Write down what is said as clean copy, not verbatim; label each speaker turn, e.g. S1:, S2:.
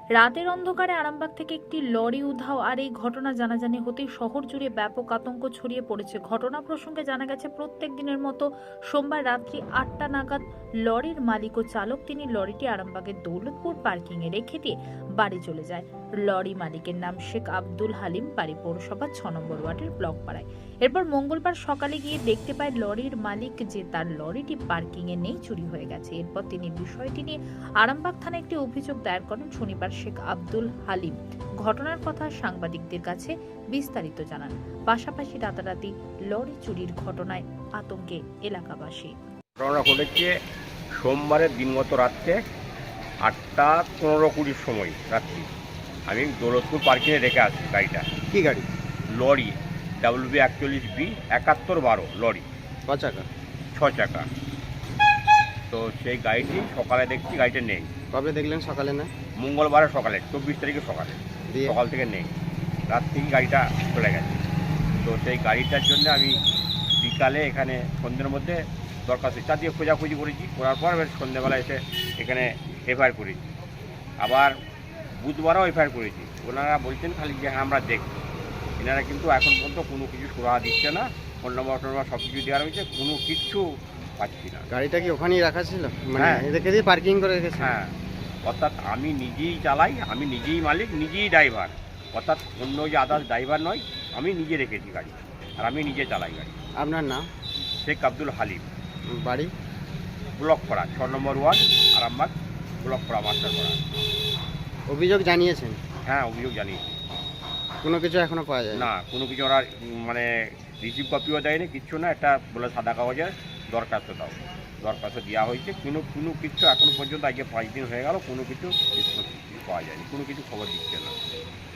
S1: রাতের অন্ধকারে আরামবাগ থেকে একটি লরি উধাও আর এই ঘটনা জানাজানি হতেই শহর জুড়ে ব্যাপক আতঙ্ক ছড়িয়ে পড়েছে। ঘটনা প্রসঙ্গে জানা গেছে প্রত্যেক দিনের মতো সোমবার রাত্রি ৮টা নাগাদ লরির মালিক ও চালক তিনি লরিটি আরামবাগের দৌলতপুর পার্কিং এ রেখে দিয়ে বাড়ি চলে যায়। লরি মালিকের নাম শেখ আব্দুল হালিম, বাড়ি পৌরসভা ৬ নম্বর ওয়ার্ডের ব্লক পাড়ায়। এরপর মঙ্গলবার সকালে গিয়ে দেখতে পায় লরির মালিক যে তার লরিটি পার্কিং এ নেই, চুরি হয়ে গেছে। এরপর তিনি বিষয়টি নিয়ে আরামবাগ থানায় একটি অভিযোগ দায়ের করেন। শনিবার শেখ আব্দুল হালিম ঘটনার কথা সাংবাদিকদের কাছে বিস্তারিত জানান। পাশাপাশি রাতারাতি লরি চুরির ঘটনায় আতঙ্কে এলাকাবাসী।
S2: ঘটনা ঘটেছে সোমবারের দিনগত রাত্রে 8:15-20 সময় রাত্রি। আমি দৌলতপুর পার্কিংয়ে রেখে আসি গাড়িটা।
S3: কি গাড়ি?
S2: লরি WB41B 7112 লরি,
S3: 6 চাকা।
S2: 6 চাকা। তো সেই গাড়িটি সকালে দেখছি গাড়িটা নেই।
S3: কবে দেখলেন? সকালে না?
S2: মঙ্গলবারের সকালে, 24 তারিখে সকালে।
S3: দিয়ে
S2: সকাল থেকে নেই, রাত থেকে গাড়িটা চলে গেছে। তো সেই গাড়িটার জন্য আমি বিকালে এখানে সন্ধ্যের মধ্যে দরখাস্ত দিয়ে খোঁজাখুঁজি করেছি। করার পর এবার সন্ধ্যেবেলা এসে এখানে এফআইআর করেছি। আবার বুধবারও এফআইআর করেছি। ওনারা বলছেন খালি যে হ্যাঁ আমরা দেখব। এনারা কিন্তু এখন পর্যন্ত কোনো কিছু সুরাহা দিচ্ছে না। ফোন নম্বর সব কিছু দেওয়া রয়েছে, কোনো কিচ্ছু পাচ্ছি না।
S3: গাড়িটা কি ওখানেই রাখা ছিল? মানে
S2: হ্যাঁ।
S3: রেখে দিয়ে পার্কিং করে রেখেছে?
S2: হ্যাঁ, অর্থাৎ আমি নিজেই চালাই, আমি নিজেই মালিক, নিজেই ড্রাইভার। অর্থাৎ অন্য যে আদার্স ড্রাইভার নয়, আমি নিজে রেখেছি গাড়ি আর আমি নিজে চালাই গাড়ি।
S3: আপনার নাম?
S2: শেখ আব্দুল হালিম,
S3: বাড়ি?
S2: ব্লক পাড়া ৬ নম্বর ওয়ার্ড, আরামবাগ ব্লক পাড়া, মাস্টার পাড়া।
S3: অভিযোগ জানিয়েছেন?
S2: হ্যাঁ, অভিযোগ জানিয়েছি।
S3: কোনো কিছু এখনো পাওয়া যায়
S2: না, কোনো কিছু ওরা মানে রিসিভ কপিও দেয়নি, কিচ্ছু না। একটা বলে সাদা কাগজে দরখাস্ত দাও, দরখাস্ত দেওয়া হয়েছে। কোনো কিছু এখনো পর্যন্ত, আজকে 5 দিন হয়ে গেল, কোনো কিছু পাওয়া যায়নি, কোনো কিছু খবর দিচ্ছে না।